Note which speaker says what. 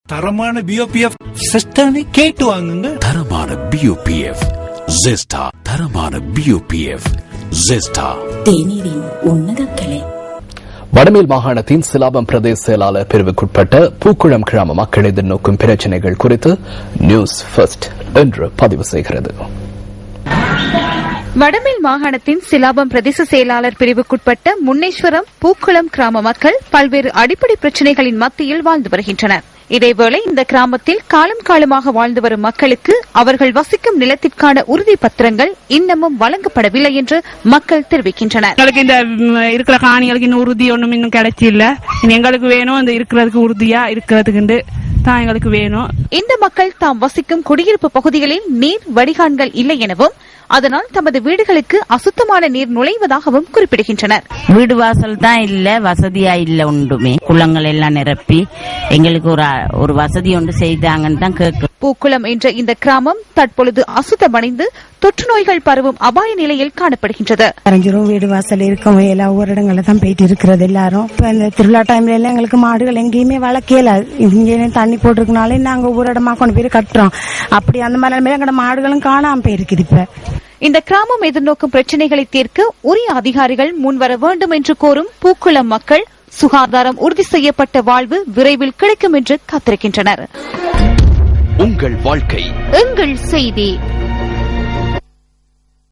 Speaker 1: தரமான பிஓபிஎஃப் சிஸ்டனை கேட்டு வாங்குங்க.
Speaker 2: தரமான பிஓபிஎஃப் ஜெஸ்டா. தரமான பிஓபிஎஃப் ஜெஸ்டா.
Speaker 3: தேநீரின் உன்னத கலை.
Speaker 4: வடமேல் மாகாணத்தின் சிலாபம் பிரதேச செயலாளர் பிரிவுக்குட்பட்ட பூக்குளம் கிராம மக்கள் எதிர்நோக்கும் பிரச்சினைகள் குறித்து நியூஸ் ஃபர்ஸ்ட் என்று பதிவு செய்கிறது.
Speaker 5: வடமேல் மாகாணத்தின் சிலாபம் பிரதேச செயலாளர் பிரிவுக்குட்பட்ட முன்னேஸ்வரம் பூக்குளம் கிராம மக்கள் பல்வேறு அடிப்படை பிரச்சினைகளின் மத்தியில் வாழ்ந்து வருகின்றனர். இதேவேளை இந்த கிராமத்தில் காலம் காலமாக வாழ்ந்து வரும் மக்களுக்கு அவர்கள் வசிக்கும் நிலத்திற்கான உறுதி பத்திரங்கள் இன்னமும் வழங்கப்படவில்லை என்று மக்கள் தெரிவிக்கின்றனர்.
Speaker 6: எங்களுக்கு இந்த இருக்கிற காணிகளுக்கு இன்னும் உறுதி ஒன்றும் இன்னும் கிடைச்சி இல்ல. எங்களுக்கு வேணும் இந்த இருக்கிறதுக்கு உறுதியா இருக்கிறதுக்கு தான் எங்களுக்கு வேணும்.
Speaker 5: இந்த மக்கள் தாம் வசிக்கும் குடியிருப்பு பகுதிகளில் நீர் வடிகான்கள் இல்லை எனவும் அதனால் தமது வீடுகளுக்கு அசுத்தமான நீர் நுழைவதாகவும் குறிப்பிடுகின்றனர்.
Speaker 7: வீடு வாசல் தான் இல்ல, வசதியா இல்ல, ஒன்றுமே குளங்கள் எல்லாம் நிரப்பி எங்களுக்கு ஒரு வசதி ஒன்று செய்தாங்கன்னு தான் கேட்கும்.
Speaker 5: பூக்குளம் என்ற இந்த கிராமம் தற்பொழுது அசுத்தமடைந்து தொற்று நோய்கள் பரவும் அபாய நிலையில் காணப்படுகின்றது.
Speaker 8: வீடு வாசல் இருக்கும் எல்லா ஒவ்வொரு இடங்கள்ல தான் போயிட்டு இருக்கிறது எல்லாரும். இப்ப இந்த திருவிழா டைம்ல எல்லாம் எங்களுக்கு மாடுகள் எங்கேயுமே வளர்க்கல. இங்கே தண்ணி போட்டிருக்கனாலே நாங்க ஒவ்வொரு இடமா கொண்டு போய் கட்டுறோம். அப்படி அந்த மாதிரி எங்களோட மாடுகளும் காணாம போயிருக்குது. இப்ப
Speaker 5: இந்த கிராமம் எதிர்நோக்கும் பிரச்சினைகளை தீர்க்க உரிய அதிகாரிகள் முன்வர வேண்டும் என்று கோரும் பூக்குளம் மக்கள் சுகாதாரம் உறுதி செய்யப்பட்ட வாழ்வு விரைவில் கிடைக்கும் என்று காத்திருக்கின்றனர்.
Speaker 2: உங்கள் வாழ்க்கை
Speaker 5: எங்கள் செய்தி.